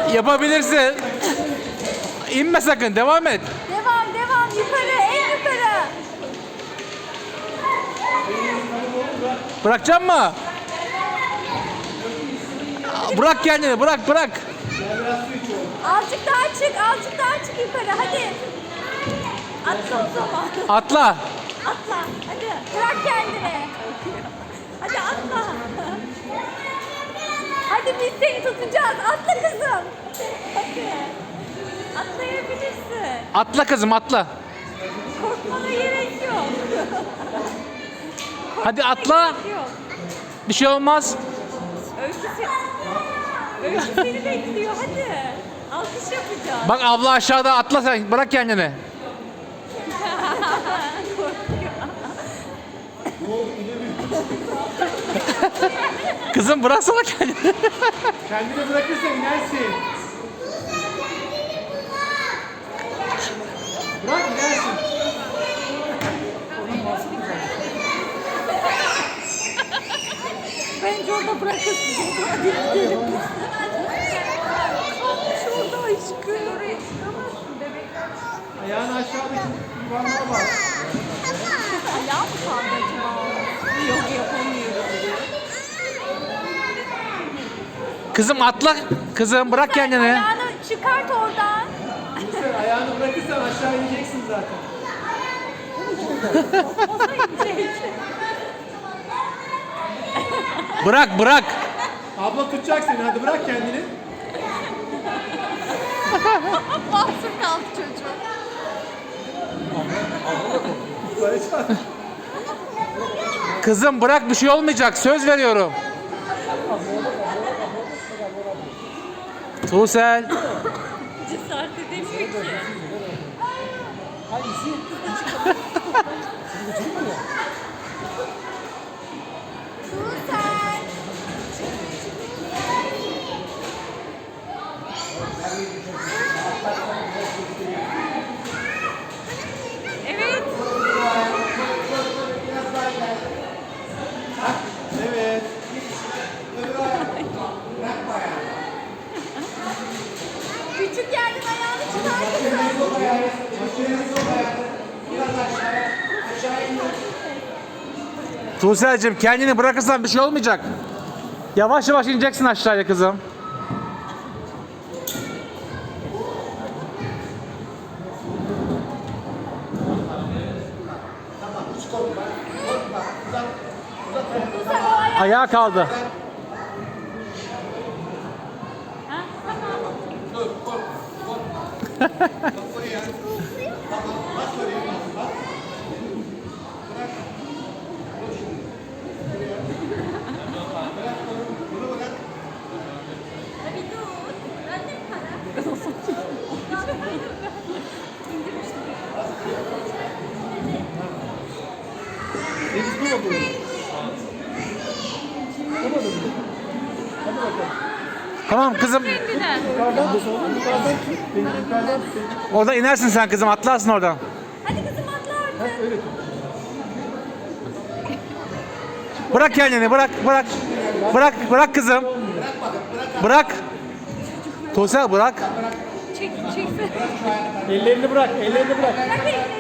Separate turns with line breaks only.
Yapabilirsin. İnme sakın, devam et.
Devam devam yukarı en yukarı.
Bırakacak mı? Bırak kendini, bırak bırak.
Azıcık daha çık yukarı hadi. Atla o zaman.
Atla.
Atla hadi bırak kendini. Hadi atla. Hadi biz seni tutacağız. Atla kızım. Hadi. Atlayabilirsin.
Atla kızım, atla.
Korkmana gerek yok.
Hadi atla.
Gerek yok.
Bir şey olmaz.
Öykü seni bekliyor hadi. Alkış yapacağız.
Bak abla aşağıda, atla sen. Bırak kendini. Kızım bıraksana kendini.
Kendini bırakırsan inersin. Bırak inersin.
Bence orada bırakırsın. Hadi gidelim. Kalmış orada aşkım. Oraya çıkamazsın bebek.
Ayağını aşağıdaki yuvarlığa bak.
Ayağı mı kaldı acaba? Yok yapamıyorum.
Kızım atla. Kızım bırak kendini.
Ayağını çıkart oradan.
Sen ayağını bırakırsan aşağı ineceksin zaten.
O da inecek.
Bırak bırak.
Abla tutacak seni, hadi bırak kendini.
Mahsur kaldı çocuğum.
Barışan.
Kızım bırak, bir şey olmayacak. Söz veriyorum. Tuğsel.
Cesaret edemiyor ki. Tuğsel. Evet.
Evet.
Küçük yerden ayağını çıkar kızım.
Tuğsel'cim kendini bırakırsan bir şey olmayacak. Yavaş yavaş ineceksin aşağıya kızım.
Tuğsel o ayağı.
Ayağa kaldı.
Ha, tamam. Hadi dur. Annem para.
Deniz bu mu bu? Olmadı mı? Hadi bakalım.
Tamam kızım.
Kendine.
Yukarıdan tut oğlum, yukarıdan tut. Beni yukarıdan tut.
Oradan inersin sen kızım. Atlarsın oradan.
Hadi kızım atla artık.
Ha, öyle tut.
Bırak kendini. Bırak bırak. Bırak bırak kızım. Bırak. Tuğsel bırak.
Çek, çekse.
Ellerini bırak, ellerini bırak.
Bırak elini.